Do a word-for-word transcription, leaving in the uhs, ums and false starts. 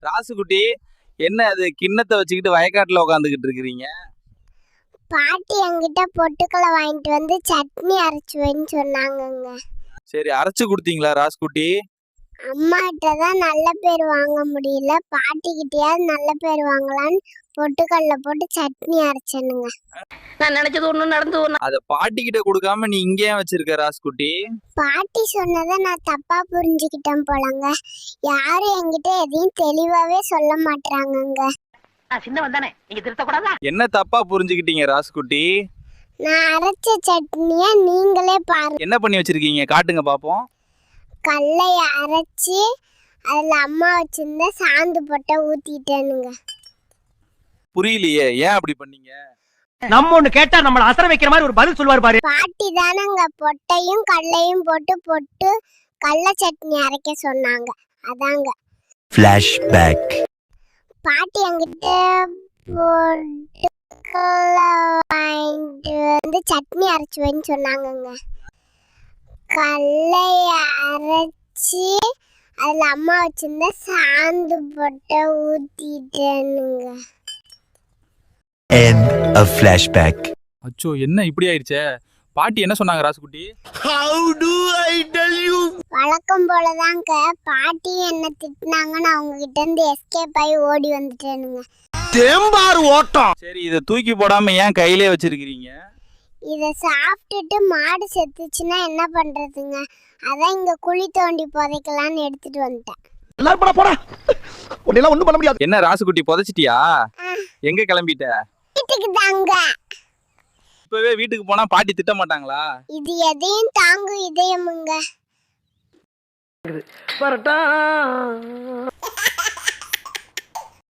ராசுகுட்டி, என்ன அது கிண்ணத்தை வச்சுக்கிட்டு வயக்காட்டுல உட்காந்துக்கிட்டு இருக்கிறீங்க? பாட்டி என்கிட்ட பொட்டுக்கலை வாங்கிட்டு வந்து சட்னி அரைச்சு வைன்னு சொன்னாங்கங்க. சரி, அரைச்சு கொடுத்தீங்களா ராசுகுட்டி? அம்மாட்ட தான் நல்ல பேர் வாங்க முடியல, பாட்டிக்கிட்டயாவது நல்ல பேர் வாங்கலான்னு பொட்டுக்கல்ல போட்டு சட்னி அரைச்சனுங்க. நான் நினைச்சது ஒண்ணு நடந்து ஒண்ணு. அத பாட்டி கிட்ட கொடுக்காம நீ இங்கே வச்சிருக்க ராசுகுட்டி? பாட்டி சொன்னதை நான் தப்பா புரிஞ்சுக்கிட்டேன் போலங்க. யாரும் என்கிட்ட எதையும் தெளிவாவே சொல்ல மாட்டாங்கங்க. சின்னவன் தானே, நீங்க திருத்தக்கூடாதா? என்ன தப்பா புரிஞ்சுக்கிட்டீங்க ராசுகுட்டி? நான் அரைச்ச சட்னிய நீங்களே பாருங்க. என்ன பண்ணி வச்சிருக்கீங்க, காட்டுங்க பாப்போம். கல்லைய அரைச்சி அதுல அம்மா வச்சிருந்த சாந்து போட்ட ஊத்திட்டேனுங்க. புரியலையே, ஏன் அப்படி பண்ணீங்க? நம்ம ஒண்ணு கேட்டா நம்மள அசர வைக்கிற மாதிரி ஒரு பதில் சொல்லுவாரு பாரு. பாட்டி தானங்க பொட்டையும் கடலையும் போட்டு போட்டு கடல சட்னி அரைக்க சொன்னாங்க, அதாங்க. Flashback. பாட்டி என்கிட்ட பொட்டுக்கல்ல வாங்கிட்டு வந்து சட்னி அரைச்சு வைன்னு சொன்னாங்கங்க. கடலைய அரைச்சி அதுல அம்மா வச்சிருந்த சாந்து போட்ட ஊத்திட்டேனுங்க. End of flashback. அச்சோ, என்ன இப்படி ஆயிடுச்சே? பாட்டி என்ன சொன்னாங்க Rasukutti? How do I tell you? வழக்கம் போலதாங்க, பாட்டி என்ன திட்டினாங்கன்னு அவங்க கிட்ட இருந்து எஸ்கேப் ஆகி ஓடி வந்துட்டேனுங்க. தேம்பார் ஓட்டம். சரி, இதை தூக்கி போடாம ஏன் கையிலே வச்சிருக்கிறீங்க? இதை சாப்பிட்டுட்டு மாடு செத்துச்சுன்னா என்ன பண்றதுங்க, அதான் இங்க குழி தோண்டி புதைக்கலான்னு எடுத்துட்டு வந்துட்டேன். எல்லாரும் போடா போடா. உன்னெல்லாம் ஒண்ணும் பண்ண முடியாது. என்ன ராசுகுட்டி, புதைச்சிட்டியா? எங்க கிளம்பிட்ட? வீட்டுக்கு தாங்க. இப்பவே வீட்டுக்கு போனா பாட்டி திட்ட மாட்டாங்களா? இது எதையும் தாங்கும் இதயமுங்க. வரட்டா